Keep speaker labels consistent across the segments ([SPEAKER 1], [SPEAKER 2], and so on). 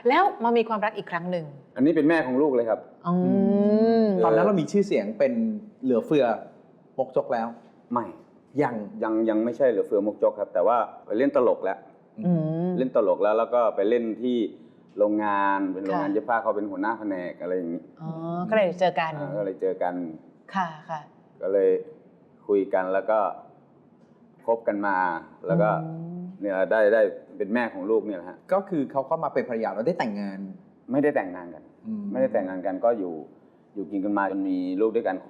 [SPEAKER 1] แล้วมามีความรักอีกครั้งหนึ่ง
[SPEAKER 2] อันนี้เป็นแม่ของลูกเลยครับ
[SPEAKER 3] ตอนนั้นเรามีชื่อเสียงเป็นเหลือเฟือมกจกแล้ว
[SPEAKER 2] ไม่
[SPEAKER 3] ยัง
[SPEAKER 2] ไม่ใช่เหลือเฟือมกจกครับแต่ว่าไปเล่นตลกแล้วเล่นตลกแล้วก็ไปเล่นที่โรงงานเป็นโรงงานเย็บผ้าเขาเป็นหัวหน้าแผนกอะไรอย่างนี้
[SPEAKER 1] ก็เลยเจอกันค่ะ
[SPEAKER 2] ก็เลยคุยกันแล้วก็คบกันมาแล้วก็เนี่ยได้เป็นแม่ของลูกเนี่ยแหละฮะ
[SPEAKER 3] ก็คือเขาเข้ามาเป็นภรรยาเราได้แต่งงาน
[SPEAKER 2] ไม่ได้แต่งงานกันก็อยู่กินกันมาจนมีลูกด้วยกัน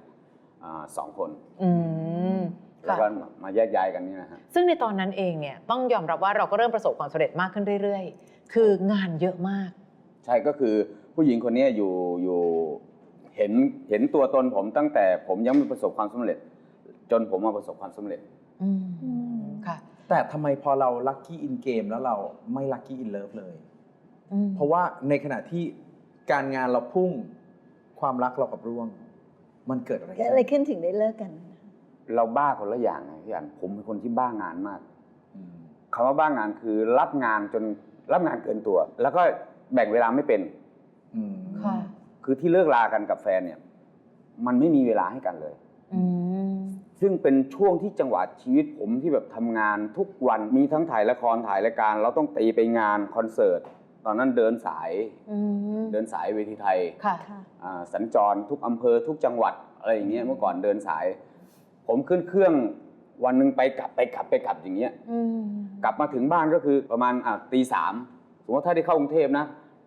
[SPEAKER 2] 2 คนแล้วก็มาแยกย้ายกันนี่นะฮะ
[SPEAKER 1] ซึ่งในตอนนั้นเองเนี่ยต้องยอมรับว่าเราก็เริ่มประสบความสำเร็จมากขึ้นเรื่อยๆคืองานเยอะมาก
[SPEAKER 2] ใช่ก็คือผู้หญิงคนนี้อยู่เห็นตัวตนผมตั้งแต่ผมยังไม่ประสบความสำเร็จจนผมมาประสบความสำเร็จ
[SPEAKER 1] ค่ะ
[SPEAKER 3] แต่ทำไมพอเราลัคกี้อินเกมแล้วเราไม่ลัคกี้อินเลิฟเลยเพราะว่าในขณะที่การงานเราพุ่งความรักเรากับร่วงมันเกิดอะไร
[SPEAKER 4] ขึ้นถึงได้เลิกกัน
[SPEAKER 2] เราบ้าคนละอย่างไงพี่อันผมเป็นคนที่บ้างานมากคำว่าบ้างานคือรับงานจนรับงานเกินตัวแล้วก็แบ่งเวลาไม่เป็นคือที่เลิกลากันกับแฟนเนี่ยมันไม่มีเวลาให้กันเลยซึ่งเป็นช่วงที่จังหวะชีวิตผมที่แบบทำงานทุกวันมีทั้งถ่ายละครถ่ายรายการเราต้องตีไปงานคอนเสิร์ตตอนนั้นเดินสายเวทีไทยสัญจรทุกอำเภอทุกจังหวัดอะไรอย่างเงี้ยเมื่อก่อนเดินสายผมขึ้นเครื่องวันหนึ่งไปกลับอย่างเงี้ยกลับมาถึงบ้านก็คือประมาณตี 3สมมติถ้าได้เข้ากรุงเทพนะตี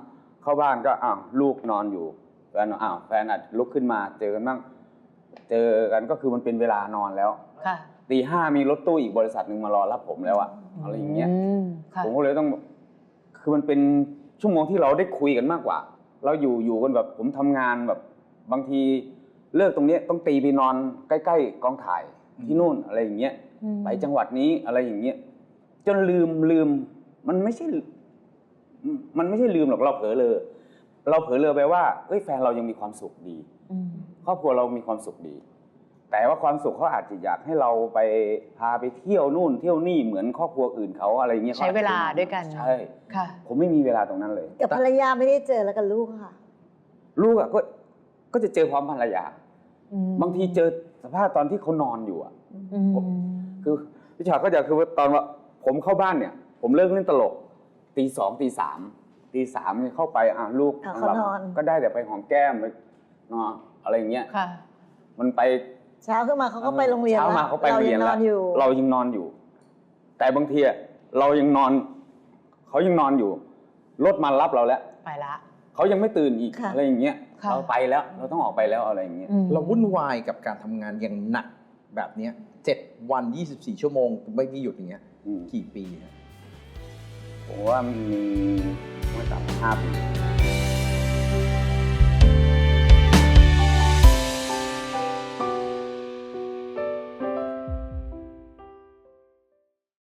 [SPEAKER 2] 3เข้าบ้านก็ลูกนอนอยู่แฟนอาจลุกขึ้นมาเจอกันบ้างเจอกันก็คือมันเป็นเวลานอนแล้วตี 5มีรถตู้อีกบริษัทหนึ่งมารอรับผมแล้วอะไรอย่างเงี้ยผมก็เลยต้องคือมันเป็นชั่วโมงที่เราได้คุยกันมากกว่าเราอยู่กันแบบผมทำงานแบบบางทีเลิกตรงนี้ต้องตีไปนอนใกล้ๆกองถ่ายที่นู่นอะไรอย่างเงี้ยไปจังหวัดนี้อะไรอย่างเงี้ยจนลืมมันไม่ใช่ลืมหรอกเราเผลอเลยไปว่าแฟนเรายังมีความสุขดีครอบครัวเรามีความสุขดีแต่ว่าความสุขเขาอาจจะอยากให้เราไปพาไปเที่ยวนู่นเที่ยวนี่เหมือนครอบครัวอื่นเขาอะไรเงี้ย
[SPEAKER 1] ใช้เวลาด้วยกัน
[SPEAKER 2] ใช่ค่ะผมไม่มีเวลาตรงนั้นเลย
[SPEAKER 4] กับภรรยาไม่ได้เจอแล้วกับลูกค่ะ
[SPEAKER 2] ลูกก็จะเจอพร้อมภรรยาบางทีเจอสภาพตอนที่เขานอนอยู่คือพี่ชาก็จะคือตอนว่าผมเข้าบ้านเนี่ยผมเลิกเล่นตลกตี 2ตี 3เนี่ยเข้าไปลูก
[SPEAKER 4] นอน
[SPEAKER 2] ก็ได้แต่ไปหอมแก้มไปนอนอะไรอย่างเงี้ยมันไป
[SPEAKER 4] เช้าขึ้นมาเขาก็ไปโรงเรียนแล้ว
[SPEAKER 2] เรายังนอนอยู่แต่บางทีเรายังนอนเขายังนอนอยู่รถมารับเราแล้ว
[SPEAKER 1] ไปละ
[SPEAKER 2] เขายังไม่ตื่นอีกอะไรอย่างเงี้ยเราไปแล้วเราต้องออกไปแล้วอะไรอย่างเงี้ย
[SPEAKER 3] เราวุ่นวายกับการทำงานอย่างหนักแบบนี้7 วัน24 ชั่วโมงไม่มีหยุดอย่างเงี้ยกี่ปี
[SPEAKER 2] ผมว่ามีไม่ต่ำ5 ปี